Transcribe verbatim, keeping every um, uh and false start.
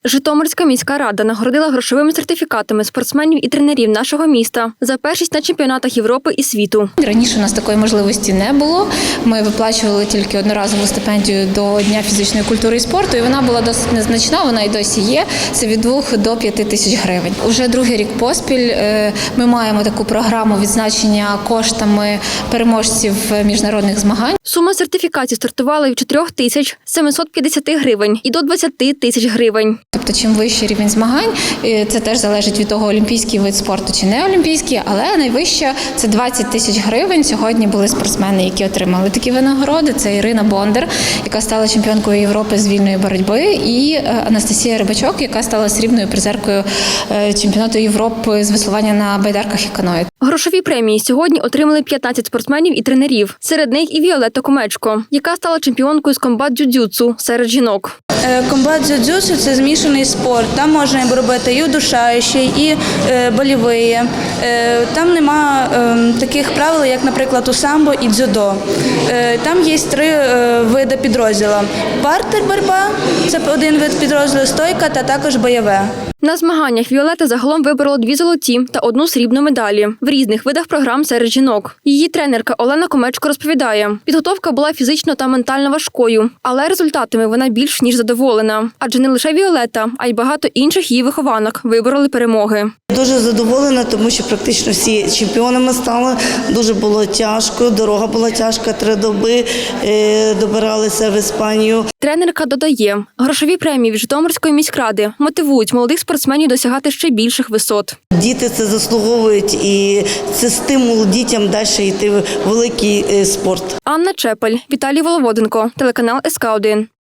Житомирська міська рада нагородила грошовими сертифікатами спортсменів і тренерів нашого міста за першість на чемпіонатах Європи і світу. Раніше у нас такої можливості не було. Ми виплачували тільки одноразову стипендію до Дня фізичної культури і спорту, і вона була досить незначна, вона і досі є. Це від двох до п'яти тисяч гривень. Уже другий рік поспіль ми маємо таку програму відзначення коштами переможців міжнародних змагань. Сума сертифікації стартувала від чотирьох тисяч семисот п'ятдесяти гривень і до двадцяти тисяч гривень. Тобто, чим вищий рівень змагань, це теж залежить від того, олімпійський вид спорту чи не олімпійський, але найвища – це двадцять тисяч гривень. Сьогодні були спортсмени, які отримали такі винагороди. Це Ірина Бондар, яка стала чемпіонкою Європи з вільної боротьби, і Анастасія Рибачок, яка стала срібною призеркою чемпіонату Європи з веслування на байдарках і каное. Грошові премії сьогодні отримали п'ятнадцять спортсменів і тренерів. Серед них і Віолетта Комечко, яка стала чемпіонкою з комбат-дзюдзюцу серед жінок. Комбат-дзюдзюцу – це змішаний спорт. Там можна робити і удушаючий, і е, больовий. Е, там нема е, таких правил, як, наприклад, у самбо і дзюдо. Е, там є три е, види підрозділу. Партер боротьба – це один вид підрозділу, стойка та також бойове. На змаганнях Віолетта загалом виборола дві золоті та одну срібну медалі в різних видах програм серед жінок. Її тренерка Олена Комечко розповідає, підготовка була фізично та ментально важкою, але результатами вона більш ніж задоволена. Адже не лише Віолетта, а й багато інших її вихованок вибороли перемоги. Дуже задоволена, тому що практично всі чемпіонами стали. Дуже було тяжко, дорога була тяжка, три доби е, добиралися в Іспанію. Тренерка додає, грошові премії від Житомирської міськради мотивують молодих спортсменів досягати ще більших висот. Діти це заслуговують і це стимул дітям далі йти в великий спорт. Анна Чепель, Віталій Воловоденко, телеканал ес ка один.